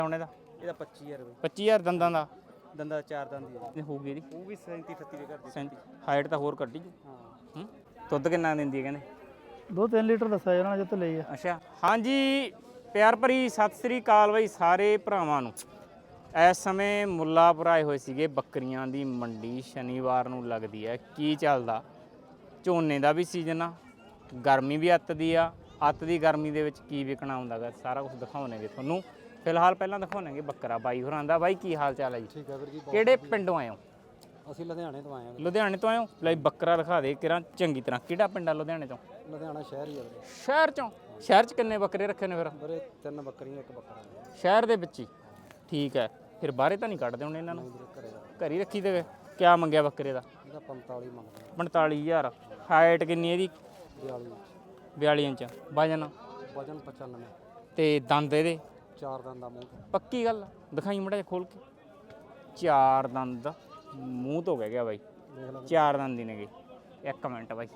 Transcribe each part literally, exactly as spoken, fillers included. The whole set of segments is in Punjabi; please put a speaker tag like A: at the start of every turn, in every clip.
A: ਹੁਣ ਇਹਦਾ
B: ਇਹਦਾ ਪੱਚੀ ਹਜ਼ਾਰ ਰੁਪਏ
A: ਪੱਚੀ ਹਜ਼ਾਰ ਦੰਦਾਂ ਦਾ
B: ਦੰਦਾ ਚਾਰ ਦੰਦ ਦੀ ਹੈ
A: ਹੋਊਗੀ ਇਹਦੀ
B: ਉਹ ਵੀ ਸੈਂਤੀ ਅਠੱਤੀ ਦੇ ਘਰ ਦੀ
A: ਹਾਈਟ ਤਾਂ ਹੋਰ ਕੱਢੀ ਜੂ
B: ਹਾਂ
A: ਹੂੰ ਦੁੱਧ ਕਿੰਨਾ ਦਿੰਦੀ ਹੈ ਕਹਿੰਦੇ
C: ਦੋ ਤਿੰਨ ਲੀਟਰ ਦੱਸਿਆ ਜਾਣਾ ਜਿੱਤ ਲਈ ਆ।
A: ਅੱਛਾ ਹਾਂਜੀ ਪਿਆਰ ਭਰੀ ਸਤਿ ਸ੍ਰੀ ਅਕਾਲ ਬਾਈ ਸਾਰੇ ਭਰਾਵਾਂ ਨੂੰ। ਇਸ ਸਮੇਂ ਮੁੱਲਾਪੁਰ ਆਏ ਹੋਏ ਸੀਗੇ ਬੱਕਰੀਆਂ ਦੀ ਮੰਡੀ ਸ਼ਨੀਵਾਰ ਨੂੰ ਲੱਗਦੀ ਹੈ। ਕੀ ਚੱਲਦਾ ਝੋਨੇ ਦਾ ਵੀ ਸੀਜ਼ਨ ਆ, ਗਰਮੀ ਵੀ ਅੱਤ ਦੀ ਆ। ਅੱਤ ਦੀ ਗਰਮੀ ਦੇ ਵਿੱਚ ਕੀ ਵਿਕਣਾ ਹੁੰਦਾ ਗਾ ਸਾਰਾ ਕੁਝ ਦਿਖਾਉਣਗੇ ਤੁਹਾਨੂੰ। ਫਿਲਹਾਲ ਪਹਿਲਾਂ ਦਿਖਾਉਣਗੇ ਬੱਕਰਾ ਬਾਈ ਹੋਰਾਂ ਦਾ। ਬਾਈ ਕੀ ਹਾਲ ਚਾਲ ਹੈ ਜੀ?
B: ਠੀਕ ਹੈ ਵੀਰ ਜੀ।
A: ਕਿਹੜੇ ਪਿੰਡੋਂ ਆਏ ਹੋ?
B: ਅਸੀਂ ਲੁਧਿਆਣੇ ਤੋਂ ਆਏ ਹਾਂ।
A: ਲੁਧਿਆਣੇ ਤੋਂ ਆਏ ਹੋ? ਲੈ ਬੱਕਰਾ ਦਿਖਾ ਦੇ ਕਿਰਾਂ ਚੰਗੀ ਤਰ੍ਹਾਂ। ਕਿਹੜਾ ਪਿੰਡ ਆ ਲੁਧਿਆਣੇ ਤੋਂ?
B: ਲੁਧਿਆਣਾ ਸ਼ਹਿਰ ਹੀ ਆ ਵੀਰੇ।
A: ਸ਼ਹਿਰ ਚੋਂ? ਸ਼ਹਿਰ 'ਚ ਕਿੰਨੇ ਬੱਕਰੇ ਰੱਖੇ ਨੇ ਫਿਰ?
B: ਵੀਰੇ ਤਿੰਨ ਬੱਕਰੀਆਂ ਇੱਕ ਬੱਕਰਾ
A: ਸ਼ਹਿਰ ਦੇ ਵਿੱਚ ਹੀ? ਠੀਕ ਹੈ। ਫਿਰ ਬਾਹਰੇ ਤਾਂ ਨਹੀਂ ਕੱਢਦੇ ਹੁਣ ਇਹਨਾਂ ਨੂੰ?
B: ਘਰੇ ਦਾ
A: ਘਰ ਹੀ ਰੱਖੀ ਦੇ। ਕਿਆ ਮੰਗਿਆ ਬੱਕਰੇ ਦਾ?
B: ਇਹਦਾ ਪੰਤਾਲੀ ਮੰਗਦੇ
A: ਪੰਤਾਲੀ ਹਜ਼ਾਰ। ਹਾਈਟ ਕਿੰਨੀ ਇਹਦੀ?
B: ਬਿਆਲੀ
A: ਬਿਆਲੀ ਇੰਚ। ਵਜਨ?
B: ਵਜਨ ਪਚਾਨਵੇਂ।
A: ਤੇ ਦੰਦ ਇਹਦੇ?
B: ਚਾਰ ਦੰਦ ਦਾ ਮੂੰਹ।
A: ਪੱਕੀ ਗੱਲ? ਦਿਖਾਈ ਮੜਾ ਜਿਹਾ ਖੋਲ ਕੇ। ਚਾਰ ਦੰਦ ਮੂੰਹ ਤੋਂ ਕਹਿ ਗਿਆ ਬਾਈ।
B: ਦੇਖ ਲੈ
A: ਚਾਰ ਦੰਦ ਹੀ ਨੇਗੇ। ਇੱਕ ਮਿੰਟ ਬਾਈ,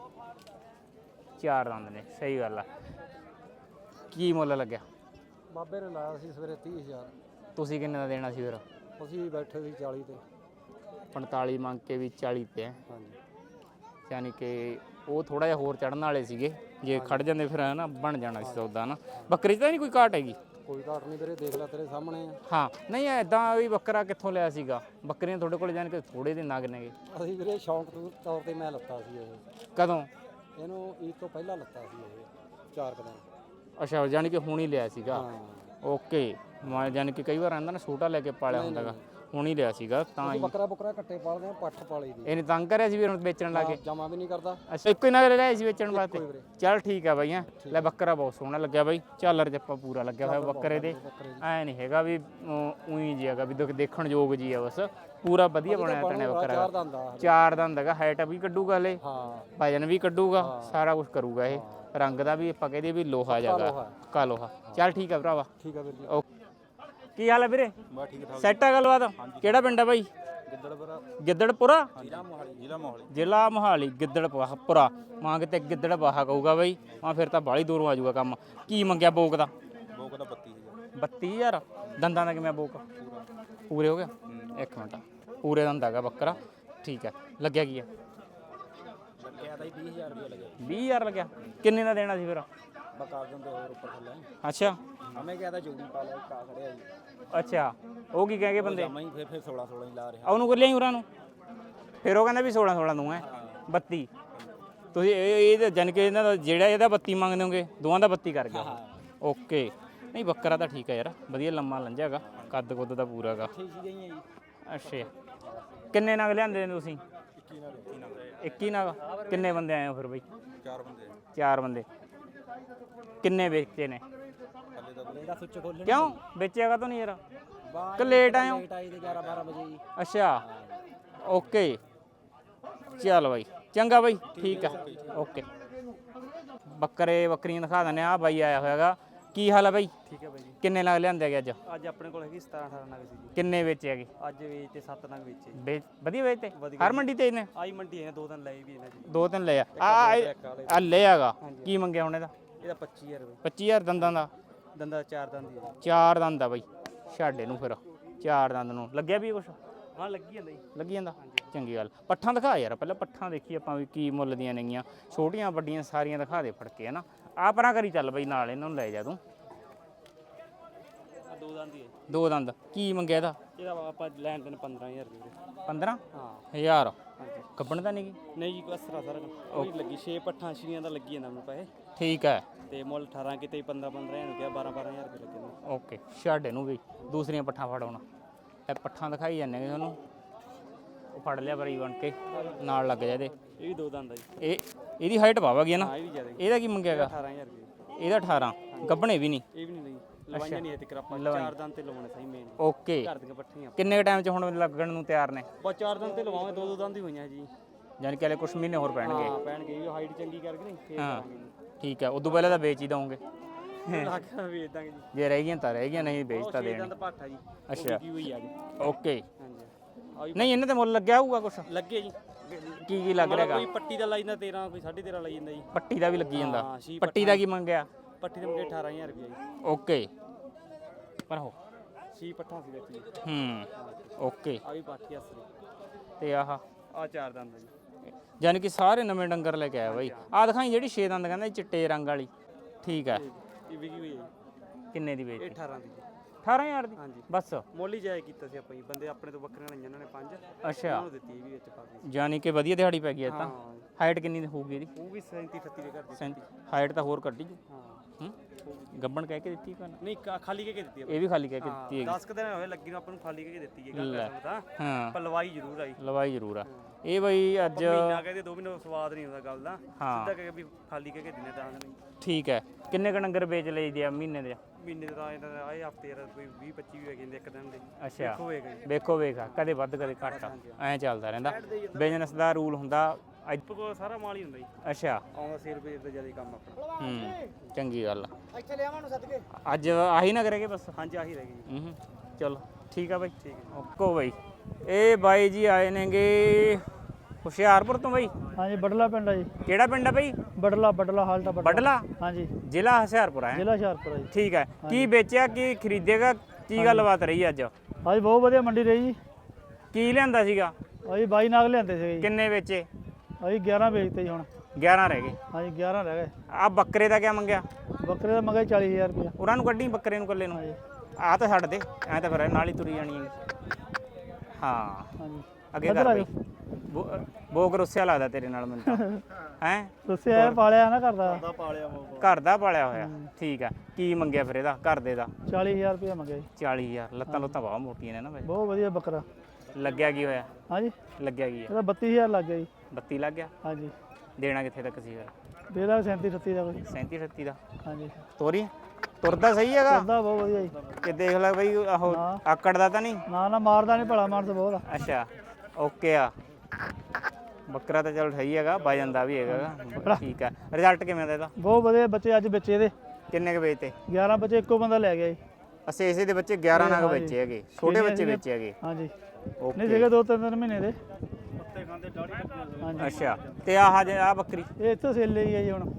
A: ਚਾਰ ਦੰਦ ਨੇ, ਸਹੀ ਗੱਲ ਆ। ਕੀ ਮੁੱਲ ਲੱਗਿਆ?
B: ਬਾਬੇ ਨੇ ਲਾਇਆ ਸੀ ਸਵੇਰੇ ਤੀਹ ਹਜ਼ਾਰ।
A: ਤੁਸੀਂ ਕਿੰਨੇ ਦਾ ਦੇਣਾ ਸੀ ਫਿਰ?
B: ਅਸੀਂ ਬੈਠੇ ਸੀ ਚਾਲੀ ਤੇ।
A: ਪੰਤਾਲੀ ਮੰਗ ਕੇ ਵੀ ਚਾਲੀ ਤੇ।
B: ਹਾਂਜੀ
A: ਯਾਨੀ ਕਿ ਉਹ ਥੋੜਾ ਜਿਹਾ ਹੋਰ ਚੜਨ ਵਾਲੇ ਸੀਗੇ। ਜੇ ਖੜ ਜਾਂਦੇ ਫਿਰ ਨਾ ਬਣ ਜਾਣਾ ਸੀ ਸੌਦਾ ਨਾ। ਬੱਕਰੀ 'ਚ ਤਾਂ ਨਹੀਂ ਕੋਈ ਘਾਟ ਹੈਗੀ?
B: ਕੋਈ ਘਾਟ ਨਹੀਂ ਵੀਰੇ, ਦੇਖ ਲੈ ਤੇਰੇ ਸਾਹਮਣੇ ਆ।
A: ਹਾਂ ਨਹੀਂ ਐਦਾਂ ਵੀ ਬੱਕਰਾ ਕਿੱਥੋਂ ਲਿਆ ਸੀਗਾ? ਬੱਕਰੀਆਂ ਤੁਹਾਡੇ ਕੋਲ ਜਾਣ ਕੇ ਥੋੜੇ ਦੇ ਨਗ ਨੇਗੇ।
B: ਅਸੀਂ ਵੀਰੇ ਸ਼ੌਂਕ ਤੋਂ ਤੌਰ ਤੇ ਮੈਂ ਲੱਤਾ ਸੀ ਇਹ।
A: ਕਦੋਂ?
B: ਇਹਨੂੰ ਈਦ ਤੋਂ ਪਹਿਲਾਂ ਲੱਤਾ ਸੀ ਇਹ ਚਾਰ ਕੁ ਦਿਨ।
A: ਅੱਛਾ ਜਾਣੀ ਕਿ ਹੁਣ ਹੀ ਲਿਆ ਸੀਗਾ।
B: ਹਾਂ
A: ਓਕੇ। ਮੈਂ ਜਾਣੀ ਕਿ ਕਈ ਵਾਰ ਆਂਦਾ ਨਾ ਛੋਟਾ ਲੈ ਕੇ ਪਾਲਿਆ ਹੁੰਦਾਗਾ, ਹੁਣ ਹੀ ਲਿਆ ਸੀਗਾ ਤਾਂ ਹੀ।
B: ਬੱਕਰਾ ਬੱਕਰਾ ਕੱਟੇ ਪਾਲਦੇ ਆ, ਪੱਠ ਪਾਲੀ ਦੀ।
A: ਇਹਨੇ ਤੰਗ ਕਰਿਆ ਸੀ ਵੀ ਹੁਣ ਵੇਚਣ ਲੱਗੇ?
B: ਜਮਾ ਵੀ ਨਹੀਂ ਕਰਦਾ।
A: ਅੱਛਾ ਇੱਕੋ ਹੀ ਨਗ ਲੈ ਸੀ ਵੇਚਣ ਵਾਸਤੇ?
B: ਵੀਰੇ।
A: ਚੱਲ ਠੀਕ ਆ ਬਾਈ। ਹੈਂ ਲੈ ਬੱਕਰਾ ਬਹੁਤ ਸੋਹਣਾ ਲੱਗਿਆ ਬਾਈ। ਝਾਲਰ ਜੱਪਾ ਪੂਰਾ ਲੱਗਿਆ ਹੋਇਆ ਬੱਕਰੇ ਦੇ। ਐ ਨਹੀਂ ਹੈਗਾ ਵੀ ਉਹੀ ਜੀ ਹੈਗਾ ਵੀ ਦੇਖਣ ਯੋਗ ਜੀ ਆ, ਬਸ ਪੂਰਾ ਵਧੀਆ ਬਣਿਆ ਤਣੇ ਬੱਕਰਾ।
B: ਚਾਰ ਦੰਦ ਆ।
A: ਚਾਰ ਦੰਦ ਹੈਗਾ। ਹਾਈਟ ਵੀ ਕੱਢੂਗਾ ਹਲੇ,
B: ਹਾਂ
A: ਵਜਨ ਵੀ ਕੱਢੂਗਾ, ਸਾਰਾ ਕੁਝ ਕਰੂਗਾ ਇਹ। ਰੰਗ ਦਾ ਵੀ ਆਪਾਂ ਕਹਦੇ ਵੀ ਲੋਹਾ ਜਾਗਾ, ਪੱਕਾ ਲੋਹਾ। ਚੱਲ ਠੀਕ ਆ ਭਰਾਵਾ।
B: ਠੀਕ ਆ ਵੀਰ ਜੀ।
A: ਓਕੇ। ਕੀ ਹਾਲ ਹੈ ਵੀਰੇ?
B: ਬਾ ਠੀਕ ਠਾਕ।
A: ਸੈੱਟ ਆ ਗੱਲਬਾਤ? ਕਿਹੜਾ ਪਿੰਡ ਆ ਬਾਈ?
B: ਗਿੱਦੜਪੁਰਾ।
A: ਗਿੱਦੜਪੁਰਾ?
B: ਜ਼ਿਲ੍ਹਾ ਮੋਹਾਲੀ। ਜ਼ਿਲ੍ਹਾ ਮੋਹਾਲੀ।
A: ਜ਼ਿਲ੍ਹਾ ਮੋਹਾਲੀ। ਗਿੱਦੜਪੁਰਾ ਮਾਂ ਕਿਤੇ ਗਿੱਦੜਪਾਹਾ ਕਹੂਗਾ ਬਾਈ। ਮਾਂ ਫਿਰ ਤਾਂ ਬਾਹਲੀ ਦੂਰੋਂ ਆ ਜਾਊਗਾ ਕੰਮ। ਕੀ ਮੰਗਿਆ ਬੋਕ ਦਾ?
B: ਬੋਕ ਦਾ ਬੱਤੀ ਹਜ਼ਾਰ।
A: ਬੱਤੀ ਹਜ਼ਾਰ? ਦੰਦਾਂ ਦਾ ਕਿਵੇਂ ਬੋਕ? ਪੂਰੇ ਹੋ ਗਿਆ? ਇੱਕ ਮਿੰਟ। ਪੂਰੇ ਦੰਦ ਹੈਗਾ ਬੱਕਰਾ। ਠੀਕ ਹੈ। ਲੱਗਿਆ ਕੀ ਆ?
B: ਲੱਗਿਆ ਤਾਂ ਵੀਹ ਹਜ਼ਾਰ ਰੁਪਏ ਲੱਗਿਆ।
A: ਵੀਹ ਹਜ਼ਾਰ ਲੱਗਿਆ? ਕਿੰਨੇ ਦਾ ਦੇਣਾ ਸੀ ਫਿਰ?
B: ਬਕਾਰ ਦਿੰਦੇ ਹੋਰ ਉੱਪਰ ਥੱਲੇ।
A: ਅੱਛਾ
B: ਹਮੇ ਕਿਹਾ ਤਾਂ ਜੋੜੀ ਪਾ ਲਿਆ, ਕਾ ਖੜਿਆ ਜੀ।
A: ਅੱਛਾ ਉਹ ਕੀ ਕਹਿ ਗਏ ਬੰਦੇ?
B: ਜਮਾ ਹੀ ਫਿਰ ਫਿਰ ਸੋਲਾਂ ਸੋਲਾਂ ਹੀ ਲਾ ਰਿਹਾ।
A: ਉਹਨੂੰ ਕਰ ਲਿਆਈ ਉਰਾਂ ਨੂੰ। ਫਿਰ ਉਹ ਕਹਿੰਦਾ ਵੀ ਸੋਲਾਂ ਸੋਲਾਂ ਦੂੰ ਹੈ ਬੱਤੀ। ਤੁਸੀਂ ਇਹ ਇਹ ਜਾਨ ਕਿ ਇਹਨਾਂ ਦਾ ਜਿਹੜਾ ਇਹਦਾ ਬੱਤੀ ਮੰਗਦੇ ਹੋਗੇ ਦੋਵਾਂ ਦਾ ਬੱਤੀ ਕਰ ਗਿਆ। ਓਕੇ। ਨਹੀਂ ਬੱਕਰਾ ਤਾਂ ਠੀਕ ਹੈ ਯਾਰ, ਵਧੀਆ ਲੰਮਾ ਲੰਜਾ ਹੈਗਾ, ਕੱਦ ਕੁੱਦ ਦਾ ਪੂਰਾ ਹੈਗਾ।
B: ਠੀਕ ਹੀ ਗਈਆਂ ਜੀ।
A: ਅੱਛਾ ਕਿੰਨੇ ਨਗ ਲਿਆਂਦੇ ਨੇ ਤੁਸੀਂ?
B: ਇੱਕੀ ਨਾਲ।
A: ਇੱਕੀ ਨਗ? ਕਿੰਨੇ ਬੰਦੇ ਆਏ ਹੋ ਫਿਰ ਬਈ?
B: ਚਾਰ ਬੰਦੇ।
A: ਚਾਰ ਬੰਦੇ। ਕਿੰਨੇ ਵੇਚੇ ਨੇ?
B: ਥੱਲੇ ਦਾ ਬਲੇ ਦਾ ਸੁੱਚ ਖੋਲਣ।
A: ਕਿਉਂ ਵੇਚਿਆਗਾ ਤਾਂ ਨਹੀਂ ਯਾਰ? ਕਿ ਲੇਟ ਆਏ ਹੋ?
B: ਲੇਟ ਆਈ ਤੇ ਗਿਆਰਾਂ ਬਾਰਾਂ ਵਜੇ ਜੀ।
A: ਅੱਛਾ ਓਕੇ। ਚੱਲ ਬਾਈ ਚੰਗਾ ਬਾਈ, ਠੀਕ ਆ ਓਕੇ। ਬੱਕਰੇ ਬੱਕਰੀਆਂ ਦਿਖਾ ਦਿੰਦੇ ਆ। ਬਾਈ ਆਇਆ ਹੋਇਆਗਾ। ਕੀ ਹਾਲ ਆ ਬਾਈ?
B: ਠੀਕ ਹੈ ਬਾਈ ਜੀ।
A: ਕਿੰਨੇ ਨਗ ਲਿਆਂਦੇ ਹੈਗੇ ਅੱਜ?
B: ਅੱਜ ਆਪਣੇ ਕੋਲ ਹੈਗੀ ਸਤਾਰਾਂ ਅਠਾਰਾਂ ਨਗ ਸੀ ਜੀ।
A: ਕਿੰਨੇ ਵੇਚੇ ਹੈਗੇ?
B: ਅੱਜ ਵੇਚਤੇ ਸੱਤ ਨਗ ਵੇਚੇ ਜੀ।
A: ਵੇਚ ਵਧੀਆ ਵੇਚਤੇ? ਹਰ ਮੰਡੀ ਤੇ ਇਹਨੇ
B: ਆਈ ਮੰਡੀ ਹੈ, ਦੋ ਦਿਨ ਲਏ ਵੀ ਇਹਨਾਂ ਜੀ।
A: ਦੋ ਤਿੰਨ ਲਏ ਆ। ਆ ਲੈ ਆਗਾ। ਕੀ ਮੰਗਿਆ ਹੁਣ ਇਹਦਾ?
B: ਇਹਦਾ ਪੱਚੀ ਹਜ਼ਾਰ ਰੁਪਏ।
A: ਪੱਚੀ ਹਜ਼ਾਰ ਦੰਦਾਂ ਦਾ?
B: ਦੰਦਾ ਚਾਰ ਦੰਦ ਹੀ ਹੈ।
A: ਚਾਰ ਦੰਦ ਆ ਬਾਈ। ਛੱਡ ਇਹਨੂੰ ਫਿਰ। ਚਾਰ ਦੰਦ ਨੂੰ ਲੱਗਿਆ ਵੀ ਕੁਛ?
B: ਹਾਂ ਲੱਗੀ ਜਾਂਦਾ ਜੀ।
A: ਲੱਗੀ ਜਾਂਦਾ? ਚੰਗੀ ਗੱਲ। ਪੱਠਾਂ ਦਿਖਾ ਯਾਰ ਪਹਿਲਾਂ। ਪੱਠਾਂ ਦੇਖੀ ਆਪਾਂ ਵੀ ਕੀ ਮੁੱਲ ਦੀਆਂ ਨੇਗੀਆਂ। ਛੋਟੀਆਂ ਵੱਡੀਆਂ ਸਾਰੀਆਂ ਦਿਖਾ ਦੇ ਫੜ ਕੇ ਹੈ ਨਾ। ਆ ਪਰਾਂ ਕਰੀ ਚੱਲ ਬਾਈ, ਨਾਲ ਇਹਨਾਂ ਨੂੰ ਲੈ ਜਾ ਤੂੰ।
B: ਦੋ ਦੰਦ ਹੀ ਹੈ।
A: ਦੋ ਦੰਦ। ਕੀ ਮੰਗਿਆ ਇਹਦਾ?
B: ਇਹਦਾ ਆਪਾਂ ਲੈਣ ਦੇਣ ਪੰਦਰਾਂ ਹਜ਼ਾਰ ਰੁਪਏ।
A: ਪੰਦਰਾਂ
B: ਹਾਂ
A: ਹਜ਼ਾਰ?
B: ਹਾਂਜੀ।
A: ਕੱਪਣ ਤਾਂ ਨਹੀਂ?
B: ਨਹੀਂ ਜੀ ਕਸਰਾ ਸਾਰਾ ਉਹ ਲੱਗੀ ਛੇ ਪੱਠਾਂ ਛੀਆਂ ਦਾ ਲੱਗੀ ਜਾਂਦਾ ਮੈਨੂੰ ਪੈਸੇ।
A: ਠੀਕ ਹੈ।
B: ਤੇ ਮੁੱਲ ਅਠਾਰਾਂ ਕਿਤੇ ਪੰਦਰਾਂ ਪੰਦਰਾਂ ਹਜ਼ਾਰ ਕਿਹਾ, ਬਾਰਾਂ ਬਾਰਾਂ ਹਜ਼ਾਰ ਰੁਪਏ ਲੱਗੇ ਨੇ।
A: ਓਕੇ ਛੱਡ ਇਹਨੂੰ ਵੀ। ਦੂਸਰੀਆਂ ਪੱਠਾਂ ਫੜਾਉਣਾ। ਇਹ ਪੱਠਾਂ ਦਿਖਾਈ ਜਾਂਦੇ ਨੇ ਤੁਹਾਨੂੰ। ਉਹ ਫੜ ਲਿਆ ਬਰੀ ਬਣ ਕੇ ਨਾਲ ਲੱਗ ਜਾ ਇਹਦੇ।
B: ਇਹ ਵੀ ਦੋ ਦੰਦ ਆ ਜੀ।
A: ਇਹ ਇਹਦੀ ਹਾਈਟ ਪਾਵਾਂਗੀ ਹੈ ਨਾ?
B: ਹਾਂ ਇਹ ਵੀ ਜ਼ਿਆਦਾ ਜੀ।
A: ਇਹਦਾ ਕੀ ਮੰਗਿਆਗਾ?
B: ਅਠਾਰਾਂ ਹਜ਼ਾਰ ਰੁਪਏ।
A: ਇਹਦਾ ਅਠਾਰਾਂ। ਗੱਭਣੇ ਵੀ ਨਹੀਂ?
B: ਇਹ ਵੀ ਨਹੀਂ ਲਈ ਲਵਾਈਆਂ ਨਹੀਂ ਤੇ ਕਰਾਪਾ ਚਾਰ ਦੰਦ ਤੇ ਲਵਾਉਣੇ ਸਹੀ ਮੇਨ।
A: ਓਕੇ।
B: ਘਰ ਦੀਆਂ ਪੱਠੀਆਂ
A: ਕਿੰਨੇ ਟਾਈਮ 'ਚ ਹੁਣ ਲੱਗਣ ਨੂੰ ਤਿਆਰ ਨੇ?
B: ਬਸ ਚਾਰ ਦੰਦ ਤੇ ਲਵਾਵਾਂਗੇ, ਦੋ ਦੋ ਦੰਦ ਹੀ ਹੋਈਆਂ ਜੀ।
A: ਯਾਨੀ ਕਿ ਹਲੇ ਕੁਛ ਮਹੀਨੇ ਹੋਰ ਪੈਣਗੇ?
B: ਹਾਂ ਪੈਣਗੇ। ਇਹ ਹਾਈਟ ਚੰਗੀ ਕਰਕੇ ਨਹੀਂ ਫੇਰ
A: ਹਾਂ
B: ਕਰਾਂਗੇ ਜੀ।
A: ਠੀਕ ਹੈ। ਉਦੋਂ ਪਹਿਲਾਂ ਤਾਂ ਵੇਚ ਹੀ ਦਵਾਂਗੇ?
B: ਲੱਖ ਵੇਚ ਦਾਂਗੇ ਜੀ।
A: ਜੇ ਰਹਿ ਗਈਆਂ ਤਾਂ ਰਹਿ ਗਈਆਂ, ਨਹੀਂ ਵੇਚ ਤਾਂ
B: ਛੇ
A: ਦੇਣ।
B: ਦੰਦ ਪੱਠਾ ਜੀ।
A: ਅੱਛਾ
B: ਕੀ ਹੋਈ ਆ ਜੀ।
A: ਓਕੇ।
B: ਹਾਂਜੀ
A: ਨਹੀਂ ਇਹਨਾਂ ਤੇ ਮੁੱਲ ਲੱਗਿਆ ਹੋਊਗਾ ਕੁਛ?
B: ਲੱਗੇ ਜੀ।
A: ਕੀ ਕੀ ਲੱਗ ਰਿਹਾਗਾ?
B: ਕੋਈ ਪੱਟੀ ਦਾ ਲਾਈ ਜਾਂਦਾ ਤੇਰਾਂ, ਕੋਈ ਸਾਢੇ ਤੇਰਾਂ ਲਾਈ ਜਾਂਦਾ ਜੀ।
A: ਪੱਟੀ ਦਾ ਵੀ ਲੱਗੀ ਜਾਂਦਾ?
B: ਹਾਂ, ਛੀ
A: ਪੱਟੀ ਦਾ ਕੀ ਮੰਗਿਆ?
B: ਪੱਠੀ ਦੇ ਮੁਕੇ ਅਠਾਰਾਂ ਹਜ਼ਾਰ ਰੁਪਏ ਜੀ।
A: ਓਕੇ ਪਰ ਹੋ
B: ਛੀ ਪੱਠਾ ਸੀ ਵਿੱਚ ਜੀ।
A: ਹੂੰ ਓਕੇ।
B: ਆ ਵੀ ਬਾਕੀ ਅਸਲੀ
A: ਤੇ ਆਹ
B: ਆ ਚਾਰ ਦੰਦ ਜੀ।
A: ਯਾਨੀ ਕਿ ਸਾਰੇ ਨਵੇਂ ਡੰਗਰ ਲੈ ਕੇ ਆਇਆ ਬਾਈ। ਆ ਦਿਖਾਈ ਜਿਹੜੀ ਛੇ ਦੰਦ ਕਹਿੰਦਾ ਚਿੱਟੇ ਰੰਗ ਵਾਲੀ। ਠੀਕ ਹੈ।
B: ਇਹ ਵਿਕੀ ਹੋਈ ਹੈ ਜੀ।
A: ਕਿੰਨੇ ਦੀ
B: ਇਹ
A: ਵੇਚੀ?
B: ਅਠਾਰਾਂ ਦੀ ਜੀ।
A: ਅਠਾਰਾਂ ਹਜ਼ਾਰ ਦੀ
B: ਹਾਂਜੀ
A: ਬਸ।
B: ਮੁੱਲ ਹੀ ਜਾਇ ਕੀਤਾ ਸੀ ਆਪਾਂ ਜੀ। ਬੰਦੇ ਆਪਣੇ ਤੋਂ ਬੱਕਰੀਆਂ ਲਈਆਂ ਇਹਨਾਂ ਨੇ ਪੰਜ,
A: ਅੱਛਾ
B: ਉਹਨਾਂ ਨੂੰ ਦਿੱਤੀ ਇਹ ਵੀ ਵਿੱਚ ਪਾ ਦਿੱਤੀ।
A: ਯਾਨੀ ਕਿ ਵਧੀਆ ਦਿਹਾੜੀ ਪੈ ਗਈ ਇਹ ਤਾਂ।
B: ਹਾਂ
A: ਹਾਈਟ ਕਿੰਨੀ ਹੋਊਗੀ ਇਹਦੀ?
B: ਉਹ ਵੀ ਸੈਂਤੀ ਅਠੱਤੀ ਦੇ ਘਰ ਦੀ।
A: ਸੈਂਤੀ। ਹਾਈਟ ਤਾਂ ਹੋਰ ਕੱਢੀ ਜੂ।
B: ਹਾਂ
A: ਹੂੰ ਗੱਬਣ ਕਹਿ ਕੇ ਦਿੱਤੀ ਕਿ ਨਾ?
B: ਨਹੀਂ ਕਾ- ਖਾਲੀ ਕੇ ਕੇ ਦਿੱਤੀ
A: ਇਹ ਵੀ ਖਾਲੀ ਕਹਿ ਕੇ ਦਿੱਤੀ ਹੈਗੀ।
B: ਦਸ ਕੁ ਦਿਨ ਹੋਏ ਲੱਗੀ ਨੂੰ ਆਪਾਂ ਨੂੰ ਖਾਲੀ ਕੇ ਕੇ ਦਿੱਤੀ ਹੈ
A: ਲੈ।
B: ਗੱਲ ਤਾਂ
A: ਹਾਂ
B: ਪਰ ਲਵਾਈ ਜ਼ਰੂਰ ਆਈ।
A: ਲਵਾਈ ਜ਼ਰੂਰ ਆ ਇਹ ਬਈ ਅੱਜ।
B: ਮਹੀਨਾ ਕਹਿੰਦੇ ਦੋ ਮਹੀਨੇ ਸਵਾਦ ਨਹੀਂ ਹੁੰਦਾ ਗੱਲ ਦਾ।
A: ਹਾਂ।
B: ਸਿੱਧਾ ਕਹਿ ਕੇ ਵੀ ਖਾਲੀ ਕੇ ਕੇ ਦਿਨੇ ਤਾਂ ਨਹੀਂ।
A: ਠੀਕ ਹੈ। ਕਿੰਨੇ ਕ ਡੰਗਰ ਵੇਚ ਲਈਦੇ ਆ ਮਹੀਨੇ ਦੇ?
B: ਮਹੀਨੇ ਦਾ ਇਹਨਾਂ ਦਾ ਆਏ ਹਫਤੇ ਦਾ ਕੋਈ ਵੀਹ ਪੱਚੀ ਵੀ ਹੈਗੇ ਨੇ ਇੱਕ ਦਿਨ ਦੇ।
A: ਅੱਛਾ
B: ਹੋਏਗਾ ਜੀ।
A: ਵੇਖੋ ਵੇਖਾ ਕਦੇ ਵੱਧ ਕਦੇ ਘੱਟ ਐਂ ਚੱਲਦਾ ਰਹਿੰਦਾ। ਬਿਜ਼ਨਸ ਦਾ ਰੂਲ ਹੁੰਦਾ। ਅੱਜ
B: ਕੋ ਸਾਰਾ ਮਾਲ ਹੀ ਹੁੰਦਾ ਜੀ।
A: ਅੱਛਾ
B: ਆਉਂਦਾ ਸੇਲ ਰੁਪਏ ਦਾ ਜਿਆਦਾ ਕੰਮ ਆਪਣਾ।
A: ਹੂੰ ਚੰਗੀ ਗੱਲ ਆ।
B: ਇੱਥੇ ਲਿਆਵਾਂ ਨੂੰ ਸੱਦ ਕੇ।
A: ਅੱਜ ਆਹੀ ਨਾ ਕਰੇਗੇ ਬਸ।
B: ਹਾਂਜੀ ਆਹੀ ਰਹਿ ਗਈ ਜੀ।
A: ਹੂੰ ਚਲੋ ਠੀਕ ਆ ਬਾਈ।
B: ਠੀਕ ਹੈ।
A: ਓਕੋ ਬਾਈ। ਇਹ ਬਾਈ ਜੀ ਆਏ ਨੇਗੇ ਹੁਸ਼ਿਆਰਪੁਰ ਤੋਂ ਬਾਈ।
C: ਹਾਂਜੀ ਬੜਲਾ ਪਿੰਡ ਆ ਜੀ।
A: ਕਿਹੜਾ ਪਿੰਡ ਆ ਬਾਈ?
C: ਬੜਲਾ ਬੜਲਾ ਹਾਲਟਾ ਬੜਲਾ।
A: ਬਡਲਾ
C: ਹਾਂਜੀ
A: ਜ਼ਿਲ੍ਹਾ ਹੁਸ਼ਿਆਰਪੁਰ ਹੈ।
C: ਜ਼ਿਲ੍ਹਾ ਹੁਸ਼ਿਆਰਪੁਰ ਆ ਜੀ।
A: ਠੀਕ ਹੈ। ਕੀ ਵੇਚਿਆ ਕੀ ਖਰੀਦੇਗਾ ਕੀ ਗੱਲਬਾਤ ਰਹੀ ਅੱਜ?
C: ਹਾਂਜੀ ਬਹੁਤ ਵਧੀਆ ਮੰਡੀ ਰਹੀ ਜੀ।
A: ਕੀ ਲਿਆਂਦਾ ਸੀਗਾ?
C: ਅਸੀਂ ਬਾਈ ਨਾਗ ਲਿਆਂਦੇ ਸੀਗੇ ਜੀ।
A: ਕਿੰਨੇ ਵੇਚੇ?
C: ਅਸੀਂ ਗਿਆਰਾਂ ਵੇਚਤੇ ਜੀ ਹੁਣ।
A: ਗਿਆਰਾਂ ਰਹਿ ਗਏ।
C: ਹਾਂਜੀ ਗਿਆਰਾਂ ਰਹਿ ਗਏ।
A: ਆ ਬੱਕਰੇ ਦਾ ਕਿਆ ਮੰਗਿਆ?
C: ਬੱਕਰੇ ਦਾ ਮੰਗਿਆ ਚਾਲੀ ਹਜ਼ਾਰ ਰੁਪਇਆ।
A: ਉਹਨਾਂ ਨੂੰ ਕੱਢੀ ਬੱਕਰੇ ਨੂੰ ਇਕੱਲੇ ਨੂੰ।
C: ਹਾਂਜੀ
A: ਆ ਤਾਂ ਛੱਡ ਦੇ ਐ ਤਾਂ ਫਿਰ ਨਾਲ ਹੀ ਤੁਰੀ ਜਾਣੀ ਹੈ। ਹਾਂ
C: ਹਾਂਜੀ
A: ਅੱਗੇ
C: ਇੱਧਰ
A: ਕਰ
C: ਆ
A: ਬਈ। ਬੋ- ਬੋਗ ਰੁੱਸਿਆ ਲੱਗਦਾ ਤੇਰੇ ਨਾਲ ਮੈਨੂੰ ਤਾਂ ਹੈ।
C: ਦੱਸਿਆ ਪਾਲਿਆ ਨਾ ਕਰਦਾ
B: ਪਾਲਿਆ
A: ਘਰ ਦਾ ਪਾਲਿਆ ਹੋਇਆ। ਠੀਕ ਆ। ਕੀ ਮੰਗਿਆ ਫਿਰ ਇਹਦਾ ਘਰ ਦੇ ਦਾ?
C: ਚਾਲੀ ਹਜ਼ਾਰ ਰੁਪਇਆ ਮੰਗਿਆ ਜੀ।
A: ਚਾਲੀ ਹਜ਼ਾਰ। ਲੱਤਾਂ ਲੁੱਤਾਂ ਬਹੁਤ ਮੋਟੀਆਂ ਨੇ ਨਾ ਬਾਈ।
C: ਬਹੁਤ ਵਧੀਆ ਬੱਕਰਾ।
A: ਲੱਗਿਆ ਕੀ ਹੋਇਆ?
C: ਹਾਂਜੀ
A: ਲੱਗਿਆ ਕੀ ਆ?
C: ਇਹਦਾ ਬੱਤੀ ਹਜ਼ਾਰ ਲੱਗ ਗਿਆ ਜੀ।
A: ਬੱਤੀ ਲੱਗ ਗਿਆ।
C: ਹਾਂਜੀ
A: ਦੇਣਾ ਕਿੱਥੇ ਤੱਕ ਸੀ ਫਿਰ?
C: ਦੇ ਦਾ ਸੈਂਤੀ ਅਠੱਤੀ ਦਾ ਕੋਈ।
A: ਸੈਂਤੀ ਅਠੱਤੀ ਦਾ।
C: ਹਾਂਜੀ
A: ਤੋਰੀ ਤੁਰਦਾ ਸਹੀ ਹੈਗਾ
C: ਕਰਦਾ ਬਹੁਤ ਵਧੀਆ ਜੀ।
A: ਕਿ ਦੇਖ ਲੈ ਬਈ ਆਹੋ
C: ਹਾਂ।
A: ਆਕੜ ਦਾ ਤਾਂ ਨਹੀਂ?
C: ਨਾ ਨਾ ਮਾਰਦਾ ਨਹੀਂ ਭਲਾ ਮਾਰਦਾ ਬਹੁਤ ਆ।
A: ਅੱਛਾ ਓਕੇ ਆ। ਬੱਕਰਾ ਤਾਂ ਚਲ ਸਹੀ ਹੈਗਾ ਵਜਨ ਦਾ ਵੀ ਹੈਗਾ। ਠੀਕ ਆ। ਰਿਜ਼ਲਟ ਕਿਵੇਂ ਦਾ ਇਹਦਾ?
C: ਬਹੁਤ ਵਧੀਆ ਬੱਚੇ ਅੱਜ ਬੱਚੇ ਦੇ
A: ਕਿੰਨੇ ਕੁ ਵੇਚਤੇ?
C: ਗਿਆਰਾਂ ਬੱਚੇ ਇੱਕੋ ਬੰਦਾ ਲੈ ਗਿਆ ਜੀ।
A: ਅਸੀਂ ਇਸੇ ਦੇ ਬੱਚੇ ਗਿਆਰਾਂ ਨਾਗ ਵੇਚੇ ਹੈਗੇ। ਛੋਟੇ ਬੱਚੇ ਵੇਚੇ ਹੈਗੇ।
C: ਹਾਂਜੀ ਨਹੀਂ
A: ਓਕੇ
C: ਸੀਗੇ ਦੋ ਤਿੰਨ ਤਿੰਨ ਮਹੀਨੇ ਦੇ।
B: ਪੱਤੇ ਖਾਂਦੇ ਦਾੜੀ
C: ਹਾਂਜੀ
A: ਅੱਛਾ ਤੇ ਆਹ ਜੇ ਆ ਬੱਕਰੀ
C: ਇਹ ਇੱਥੋਂ ਸੇਲ ਲਈ ਹੈ ਜੀ ਹੁਣ।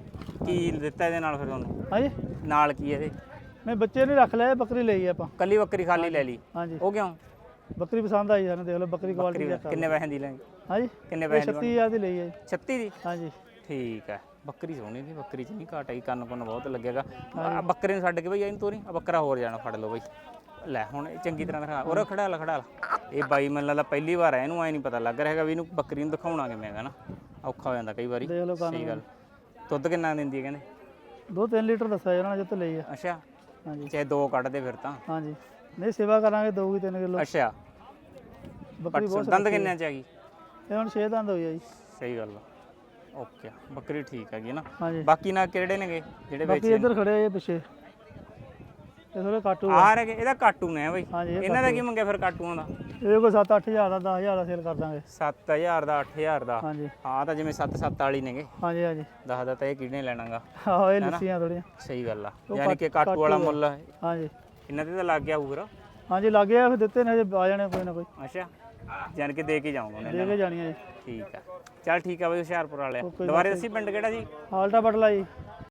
A: ਕੀ ਦਿੱਤਾ ਇਹਦੇ ਨਾਲ ਫਿਰ ਤੁਹਾਨੂੰ?
C: ਹਾਂਜੀ
A: ਨਾਲ ਕੀ ਇਹਦੇ?
C: ਨਹੀਂ ਬੱਚੇ ਨਹੀਂ ਰੱਖ ਲਿਆ ਬੱਕਰੀ ਲਈ ਆਪਾਂ।
A: ਕੱਲੀ ਬੱਕਰੀ ਖਾਲੀ ਲੈ ਲਈ?
C: ਹਾਂਜੀ
A: ਉਹ ਕਿਉਂ?
C: ਬੱਕਰੀ ਪਸੰਦ ਆਈ ਸਾਨੂੰ। ਦੇਖ ਲਓ ਬੱਕਰੀ ਕੁਆਲਿਟੀ ਚੈੱਕ ਕਰ।
A: ਕਿੰਨੇ ਪੈਸੇ ਦੀ ਲੈਂਗੇ?
C: ਹਾਂਜੀ
A: ਕਿੰਨੇ
C: ਇਹ
A: ਪੈਸੇ ਦੀ?
C: ਛੱਤੀ ਹਜ਼ਾਰ ਦੀ ਲਈ ਹੈ ਜੀ।
A: ਛੱਤੀ ਦੀ?
C: ਹਾਂਜੀ
A: ਠੀਕ ਹੈ। ਬੱਕਰੀ ਸੋਹਣੀ ਦੀ ਬੱਕਰੀ ਚ ਨਹੀਂ ਘਾਟ ਆਈ। ਕੰਨ ਕੁੰਨ ਬਹੁਤ ਲੱਗੇਗਾ। ਆ ਬੱਕਰੇ ਨੂੰ ਛੱਡ ਕੇ ਬਈ ਇਹਨੂੰ ਤੋਰੀ। ਆ ਬੱਕਰਾ ਹੋਰ ਜਾਣਾ ਫੜ ਲਓ ਬਈ। ਲੈ ਹੁਣ ਇਹ ਚੰਗੀ ਤਰ੍ਹਾਂ ਦਿਖਾ। ਉਹ ਖੜਾ ਲਾ ਖੜਾ ਲਾ। ਇਹ ਬਾਈ ਮੈਨੂੰ ਲੱਗਦਾ ਪਹਿਲੀ ਵਾਰ ਹੈ ਇਹਨੂੰ ਐ ਨਹੀਂ ਪਤਾ ਲੱਗ ਰਿਹਾ ਹੈਗਾ ਵੀ ਇਹਨੂੰ ਬੱਕਰੀ ਨੂੰ ਦਿਖਾਉਣਾ ਕਿਵੇਂ ਹੈਗਾ ਨਾ। ਔਖਾ ਹੋ ਜਾਂਦਾ ਕਈ ਵਾਰੀ।
C: ਦੇਖ ਲਓ ਕੰਨ।
A: ਸਹੀ ਗੱਲ। ਦੁੱਧ ਕਿੰਨਾ ਦਿੰਦੀ ਹੈ ਕਹਿੰਦੇ?
C: ਦੋ ਤਿੰਨ ਲੀਟਰ ਦੱਸਿਆ ਇਹਨਾਂ ਨੇ ਜਿੱਤ ਲਈ ਆ।
A: ਅੱਛਾ
C: ਹਾਂਜੀ
A: ਚਾਹੇ ਦੋ ਕੱਢ ਦੇ ਫਿਰ ਤਾਂ।
C: ਹਾਂਜੀ ਨਹੀਂ ਸੇਵਾ ਕਰਾਂਗੇ ਦਊਗੀ ਤਿੰਨ ਕਿਲੋ।
A: ਅੱਛਾ
C: ਬੱਕਰੀ ਬਹੁਤ
A: ਦੰਦ ਕਿੰਨੇ ਚ ਹੈਗੀ?
C: ਇਹ ਹੁਣ ਛੇ ਦੰਦ ਹੋਈ ਆ ਜੀ।
A: ਸਹੀ ਗੱਲ ਆ। ਓਕੇ ਬੱਕਰੀ ਠੀਕ ਹੈਗੀ ਨਾ।
C: ਹਾਂਜੀ
A: ਬਾਕੀ ਨਾ ਕਿਹੜੇ ਨੇਗੇ ਜਿਹੜੇ
C: ਬਾਕੀ
A: ਵੇਚੇ?
C: ਇੱਧਰ ਖੜੇ ਆ ਇਹ ਪਿੱਛੇ। ਇਹ ਥੋੜੇ ਕਾਟੂ ਆ।
A: ਆ ਰਹੇ ਇਹਦਾ ਕਾਟੂ ਨੇ ਬਈ।
C: ਹਾਂਜੀ ਇਹ
A: ਇਹਨਾਂ ਦਾ ਕੀ ਮੰਗਿਆ ਫਿਰ ਕਾਟੂਆਂ ਦਾ?
C: ਇਹ ਕੋਈ ਸੱਤ ਅੱਠ ਹਜ਼ਾਰ ਦਾ ਦਸ ਹਜ਼ਾਰ ਦਾ ਸੇਲ ਕਰ ਦਾਂਗੇ।
A: ਸੱਤ ਹਜ਼ਾਰ ਦਾ ਅੱਠ ਹਜ਼ਾਰ ਦਾ।
C: ਹਾਂਜੀ
A: ਹਾਂ ਤਾਂ ਜਿਵੇਂ ਸੱਤ ਸੱਤ ਵਾਲੀ ਨੇਗੇ।
C: ਹਾਂਜੀ ਹਾਂਜੀ
A: ਦਸ ਦਾ ਤਾਂ ਇਹ ਕਿਹਨੇ ਲੈਣਾਗਾ?
C: ਆਹੋ ਇਹ ਲੱਸੀਆਂ ਥੋੜੀਆਂ।
A: ਸਹੀ ਗੱਲ ਆ।
C: ਉਹ
A: ਯਾਨੀ ਕਿ ਕਾਟੂ ਵਾਲਾ ਮੁੱਲ
C: ਹਾਂਜੀ
A: ਇਹਨਾਂ ਤੇ ਤਾਂ ਲੱਗ ਗਿਆ ਹੋਊਗਾ।
C: ਹਾਂਜੀ ਲੱਗੇ ਆ ਫਿਰ ਦਿੱਤੇ ਨੇ ਹਜੇ ਆ ਜਾਣੇ ਕੋਈ ਨਾ ਕੋਈ।
A: ਅੱਛਾ ਯਾਨੀ ਕਿ ਦੇ ਕੇ ਜਾਊਂਗਾ ਉਹਨੇ।
C: ਦੇ ਕੇ ਜਾਣੀਆਂ ਜੀ।
A: ਠੀਕ ਆ ਚੱਲ ਠੀਕ ਆ ਬਈ ਹੁਸ਼ਿਆਰਪੁਰ ਵਾਲਿਆ।
C: ਓਕੇ ਜੀ,
A: ਦੁਬਾਰੇ ਦੱਸੀ ਪਿੰਡ ਕਿਹੜਾ ਜੀ?
C: ਹਾਲਟਾ ਬਟਲਾ ਜੀ।